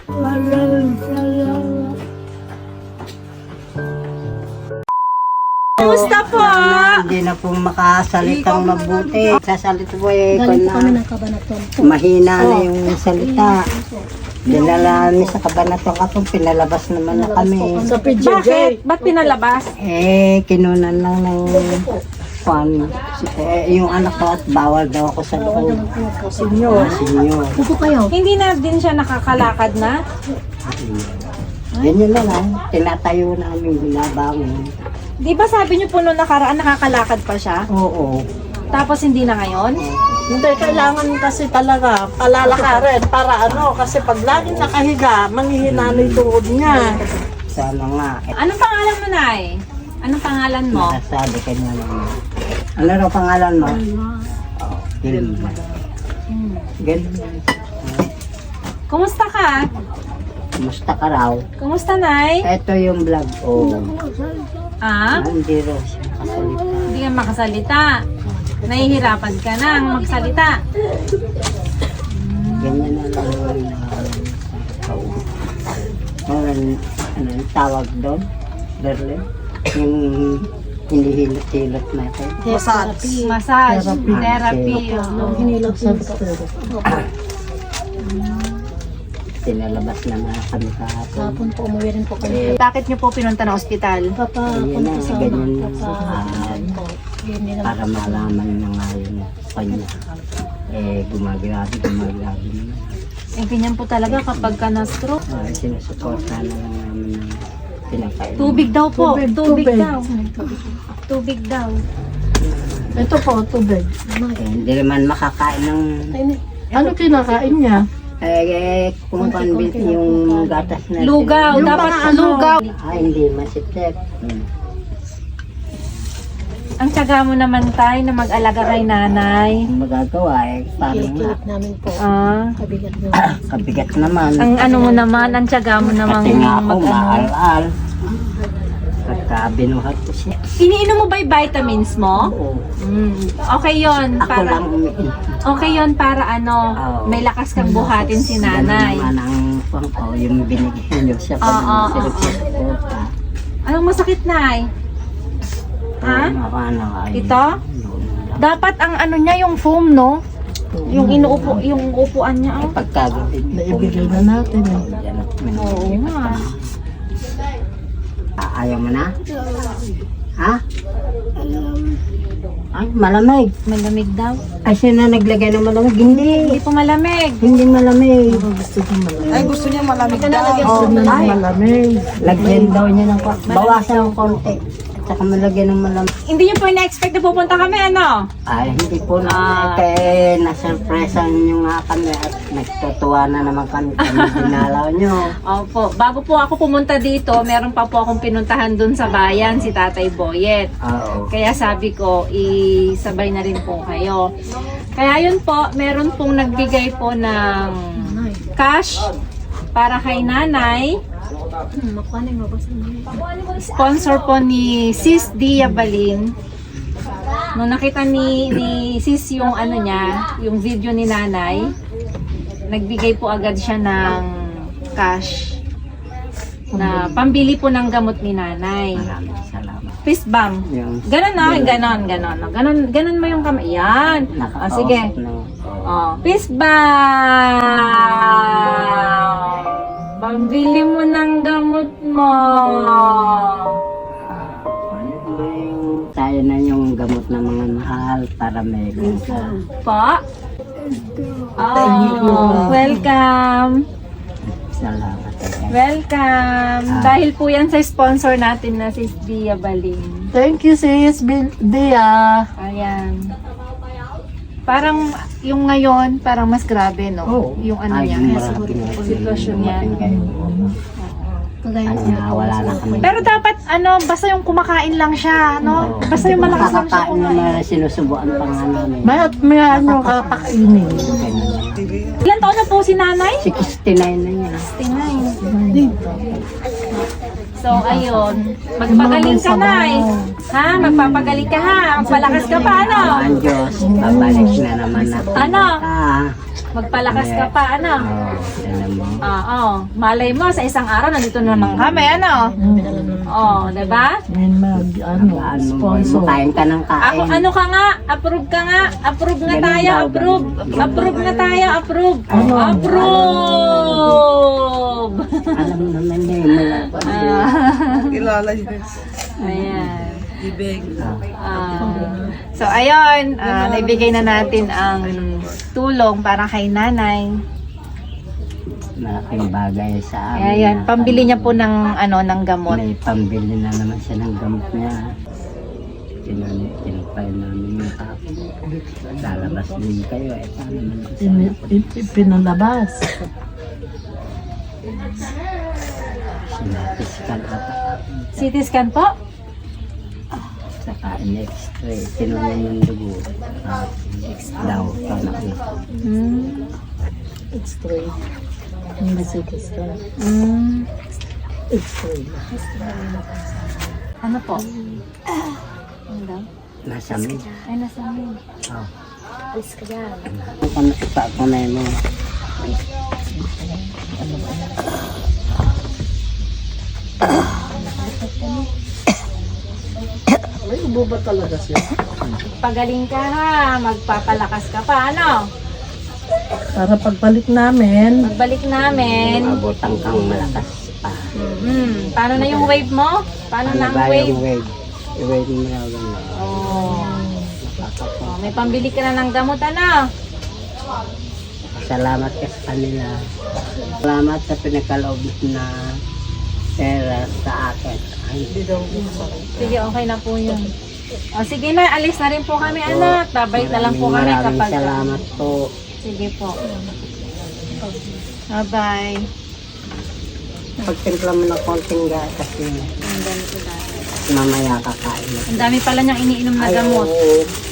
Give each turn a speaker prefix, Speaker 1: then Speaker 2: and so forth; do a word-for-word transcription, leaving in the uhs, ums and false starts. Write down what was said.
Speaker 1: Maraming salamat.
Speaker 2: Kumusta po?
Speaker 3: Hindi na po makasalitang mabuti. Sasalita po eh,
Speaker 1: Galing po kami
Speaker 3: kung
Speaker 1: ng Cabanatuan po.
Speaker 3: mahina na yung salita. Dinala namin sa Cabanatuan kapag pinalabas naman na kami.
Speaker 1: Sa P J J.
Speaker 2: Bakit? Ba't pinalabas?
Speaker 3: Eh, kinunan lang ng kwan. Eh, yung anak ko at bawal daw ako sa loob.
Speaker 1: Senyor.
Speaker 3: Sinyo.
Speaker 1: Upo kayo.
Speaker 2: Hindi na din siya nakakalakad na?
Speaker 3: Ganyan na lang. Tinatayo namin binabangon.
Speaker 2: Di ba sabi niyo po noong nakaraan nakakalakad pa siya?
Speaker 3: Oo.
Speaker 2: Tapos hindi na ngayon?
Speaker 4: Hindi, kailangan kasi talaga palalakarin para ano, kasi pag laging nakahiga, manghihina na yung tuhod niya.
Speaker 3: Sana nga. Eh,
Speaker 2: Anong pangalan mo, Nay? Anong pangalan mo?
Speaker 3: nasabi ka niya naman. Ano raw pangalan mo? Oh, Hilma. Ganun.
Speaker 2: Kumusta ka?
Speaker 3: Kumusta ka raw?
Speaker 2: Kumusta, Nay?
Speaker 3: Ito yung vlog ko.
Speaker 2: Ah?
Speaker 3: Hindi raw siya kasalita.
Speaker 2: Hindi ka makasalita. Nahihirapan ka nang magsalita.
Speaker 3: Ganyan na lang yung uh, ano, ano yung tawag doon? Berlin? Yung hinihilot-hilot natin.
Speaker 4: Massage.
Speaker 2: Massage,
Speaker 3: Therapy.
Speaker 2: therapy.
Speaker 1: Nung
Speaker 2: oo.
Speaker 1: hinilot po.
Speaker 3: Pinalabas na mga kami kahapon.
Speaker 1: Kapon po, umuwi rin po kami.
Speaker 2: Bakit niyo po pinunta ng ospital?
Speaker 1: Papa,
Speaker 3: Ganyan na,
Speaker 1: punta sa
Speaker 3: ganyan na.
Speaker 1: Papa.
Speaker 3: Ah,
Speaker 1: Yun nila.
Speaker 3: para malaman na nga yung kanya. Eh, gumagrabe, gumagrabe naman.
Speaker 2: Eh, ganyan po talaga kapag ka na-stroke.
Speaker 3: Uh, sinusuporta na lang namin ng pinakain.
Speaker 2: Tubig daw po. Tubig,
Speaker 4: Tubig, tubig.
Speaker 2: daw. Tubig daw.
Speaker 4: Ito po, tubig.
Speaker 3: Eh, hindi naman makakain ng...
Speaker 4: Ano kinakain niya?
Speaker 3: Eh, eh kung convince yung gatas na...
Speaker 2: Lugaw.
Speaker 4: Yung
Speaker 2: Dapat
Speaker 4: mga ano,
Speaker 2: lugaw.
Speaker 3: Ah, hindi, masipsip. Hmm.
Speaker 2: Ang tiyaga mo naman, Tay, na mag-alaga kay nanay.
Speaker 3: Ang magagawa eh, paano nga?
Speaker 1: Kilikilip namin po.
Speaker 2: Ah.
Speaker 1: Kabigat nyo.
Speaker 3: Kabigat naman.
Speaker 2: Ang ano mo naman, ang tiyaga mo namang
Speaker 3: Kasi nga ako,
Speaker 2: mag-ano.
Speaker 3: maal-al. Pagka binuhat ko siya.
Speaker 2: Iniinom mo ba yung vitamins mo?
Speaker 3: Oo.
Speaker 2: Mm. Okay yon
Speaker 3: Ako
Speaker 2: para
Speaker 3: lang umiin.
Speaker 2: okay yon para ano,
Speaker 3: Oo.
Speaker 2: may lakas kang buhatin si nanay.
Speaker 3: Ganun naman ang pang ko, yung binigyan niyo siya
Speaker 2: Oo, oo,
Speaker 3: pag sinusuporta.
Speaker 2: Anong masakit, Nay? Ha?
Speaker 3: Ano, ay,
Speaker 2: Ito? Dapat ang ano niya, yung foam, no? Yung inuupo, yung upuan niya. Oh.
Speaker 3: Pagkagabi.
Speaker 4: Naibigay na natin eh.
Speaker 2: Oo nga.
Speaker 3: Ah, ayaw mo na? Ha? Ay, malamig.
Speaker 2: Malamig daw.
Speaker 3: Ay, sino naglagay ng malamig? Hindi.
Speaker 2: Hindi po malamig.
Speaker 3: Hindi malamig.
Speaker 4: Gusto niya malamig.
Speaker 2: Ay, gusto niya malamig daw.
Speaker 4: Gusto niya ng malamig.
Speaker 3: Lagyan daw niya ng kwa- bawasan ng konti. At saka malagyan ng malamig.
Speaker 2: Hindi niyo po ina-expect na pupunta kami, ano?
Speaker 3: Ay, hindi po na.
Speaker 2: Ah.
Speaker 3: Kaya nasurpresan niyo nga kami at nagtutuwa na naman kami kami dinalaw niyo.
Speaker 2: Opo. Bago po ako pumunta dito, meron pa po akong pinuntahan dun sa bayan, si Tatay Boyet.
Speaker 3: Oo.
Speaker 2: Kaya sabi ko, isabay na rin po kayo. Kaya yun po, meron pong nagbigay po ng cash para kay nanay.
Speaker 1: Hmm, makuha yung mabasa niyo.
Speaker 2: Sponsor po ni Sis Dia Balin. Nung nakita ni, ni Sis yung ano niya, yung video ni nanay, nagbigay po agad siya ng cash na pambili po ng gamot ni nanay.
Speaker 3: Maraming salamat.
Speaker 2: Fist bump.
Speaker 3: Yung
Speaker 2: Ganon na, ganon, ganon. Ganon, ganon mo yung kamay. Yan. Ah, sige.
Speaker 3: nakakausap na.
Speaker 2: Oh, fist bump. Pambili mo ng gamot mo.
Speaker 3: Ano ba yung tayo na yung gamot ng mga mahal para may ka.
Speaker 2: Po? Oh, welcome.
Speaker 3: Salamat.
Speaker 2: Welcome. Dahil po yan sa sponsor natin na si Dia Balin.
Speaker 4: Thank you, sis Bil- Dia.
Speaker 2: Ayan. Parang yung ngayon, parang mas grabe, no?
Speaker 3: Oo.
Speaker 2: Yung ano
Speaker 3: Ay,
Speaker 2: niya,
Speaker 3: yung
Speaker 2: yes,
Speaker 3: marami nga.
Speaker 2: sitwasyon niya.
Speaker 1: Kagaya
Speaker 3: Ano
Speaker 1: niya.
Speaker 3: na, wala na kami.
Speaker 2: Pero dapat, ano, basta yung kumakain lang siya, no? Basta yung malakas lang siya
Speaker 3: Nakakain
Speaker 2: kumain.
Speaker 3: naman sinusubuan pa nga namin.
Speaker 4: May at may ano kapakainin.
Speaker 2: Ilan taon na po si nanay?
Speaker 3: sixty-nine na niya.
Speaker 2: sixty-nine. So, ayun. Magpagaling ka na eh. Ha? Magpapagaling ka ha? Magpalakas ka pa, ano?
Speaker 3: Ang Diyos, babalik na naman ako.
Speaker 2: Ano?
Speaker 3: Ah,
Speaker 2: Magpalakas ka pa, ano?
Speaker 3: oh, alam mo.
Speaker 2: Oo. Malay mo, sa isang araw, nandito na naman kami, ano? Oo, diba?
Speaker 4: Yan mag, ano,
Speaker 3: Ano,
Speaker 4: sponsor.
Speaker 3: kain ka ng kain.
Speaker 2: Ako, ano ka nga? Approve ka nga? Approve nga tayo, approve. Approve nga tayo, approve. Approve!
Speaker 3: Alam mo naman niya, mula pa siya.
Speaker 5: Kilala niya.
Speaker 2: Ayan.
Speaker 5: Ibig.
Speaker 2: Ah, so, ayun, ah, naibigay na natin ang tulong para kay nanay.
Speaker 3: Malaking bagay sa amin.
Speaker 2: Ayan,
Speaker 3: na-
Speaker 2: pambili niya po ng, ano, ng gamot.
Speaker 3: May pambili na naman siya ng gamot niya. Tinanong, tinupay namin yung kapo. Lalabas din kayo eh. Paano naman sa
Speaker 4: Pin- pin- Pinalabas.
Speaker 3: sinatiskan at
Speaker 2: C T scan po?
Speaker 3: saka in-x-ray. Tinanong yung dugo. Ah, daw, paano na.
Speaker 2: Hmm.
Speaker 4: X-ray. Hindi C T scan.
Speaker 2: Hmm.
Speaker 4: X-ray.
Speaker 2: Ano po? Ano daw?
Speaker 3: Nasa amin.
Speaker 2: Ay, nasa amin.
Speaker 3: Oh.
Speaker 1: Alis ka dyan.
Speaker 3: Ano pa ako na mo?
Speaker 4: May ubo ba talaga siya?
Speaker 2: Pagaling ka ha, magpapalakas ka pa, ano?
Speaker 4: Para pagbalik namin,
Speaker 2: Magbalik namin.
Speaker 3: Abutan kang malakas pa.
Speaker 2: Hmm, paano na yung wave mo? Paano na ang
Speaker 3: ba
Speaker 2: wave?
Speaker 3: yung wave? I-wave mo na lang.
Speaker 2: Oh.
Speaker 3: Nakakapag.
Speaker 2: Oh, may pambili ka na ng gamot, ano?
Speaker 3: Salamat ka sa kanila. Salamat sa pinagkaloob na pera sa akin. Ay,
Speaker 2: Sige, okay na po yun. O, sige na, alis na rin po kami, anak. Babalik na lang po kami
Speaker 3: maraming
Speaker 2: kapag...
Speaker 3: salamat po.
Speaker 2: Sige po. Bye-bye.
Speaker 3: Pagtimpla mo ng konting gatas yun.
Speaker 2: Ang dami ko dati.
Speaker 3: Mamaya kakain.
Speaker 2: Ang dami pala niyang iniinom na gamot.
Speaker 3: Ayaw,